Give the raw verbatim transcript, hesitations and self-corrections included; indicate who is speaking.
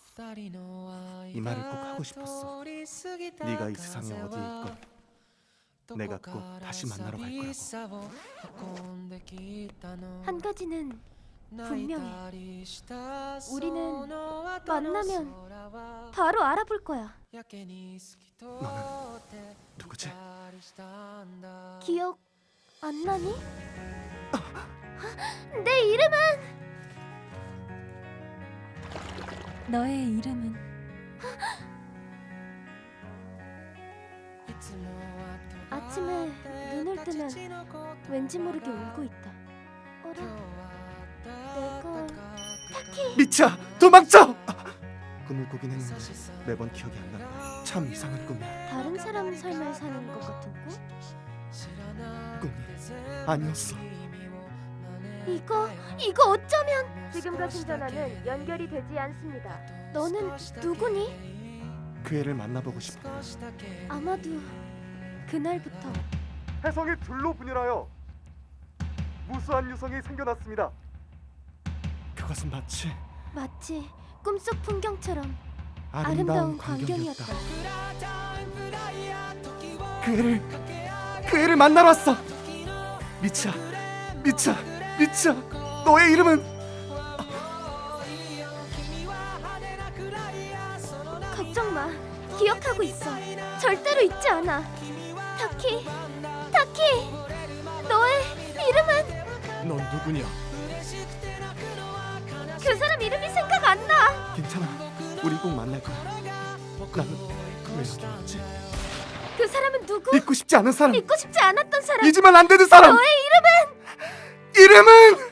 Speaker 1: 이 말을 꼭 하고 싶었어. 네가 이 세상에 어디에 있건 내가 꼭 다시 만나러 갈 거라고.
Speaker 2: 한 가지는 분명해. 우리는 만나면 바로 알아볼 거야.
Speaker 1: 너는 누구지?
Speaker 2: 기억 안 나니? 내 이름은
Speaker 3: 너의 이름은
Speaker 2: 아침에 눈을 뜨면 왠지 모르게 울고 있다. 어라, 내가 타키.
Speaker 1: 미차! 도망쳐! 꿈을 꾸긴 했는데 매번 기억이 안 난다. 참 이상한 꿈이야.
Speaker 2: 다른 사람 삶을 사는 것 같은 꿈?
Speaker 1: 꿈이 아니었어.
Speaker 2: 이거 이거 어쩌면 지금 가신 전화는 연결이 되지 않습니다. 너는 누구니?
Speaker 1: 그 애를 만나보고 싶어.
Speaker 2: 아마도 그날부터
Speaker 4: 해성이 둘로 분열하여 무수한 유성이 생겨났습니다.
Speaker 1: 그것은 마치
Speaker 2: 마치 꿈속 풍경처럼
Speaker 1: 아름다운
Speaker 2: 아름다운
Speaker 1: 광경이었다.
Speaker 2: 광경이었다.
Speaker 1: 그 애를 그 애를 만나러 왔어. 미차, 미차, 미차. 너의 이름은?
Speaker 2: 걱정 마. 기억하고 있어. 절대로 잊지 않아. 타키, 타키. 너의 이름은?
Speaker 1: 넌 누구냐?
Speaker 2: 그 사람 이름이 생각 안 나.
Speaker 1: 괜찮아. 우리 꼭 만날 거야. 나는 왜 여기 왔지?
Speaker 2: 그 사람은 누구?
Speaker 1: 잊고 싶지 않은 사람.
Speaker 2: 잊고 싶지 않았던 사람.
Speaker 1: 잊으면 안 되는 사람.
Speaker 2: 너의 이름은?
Speaker 1: 이름은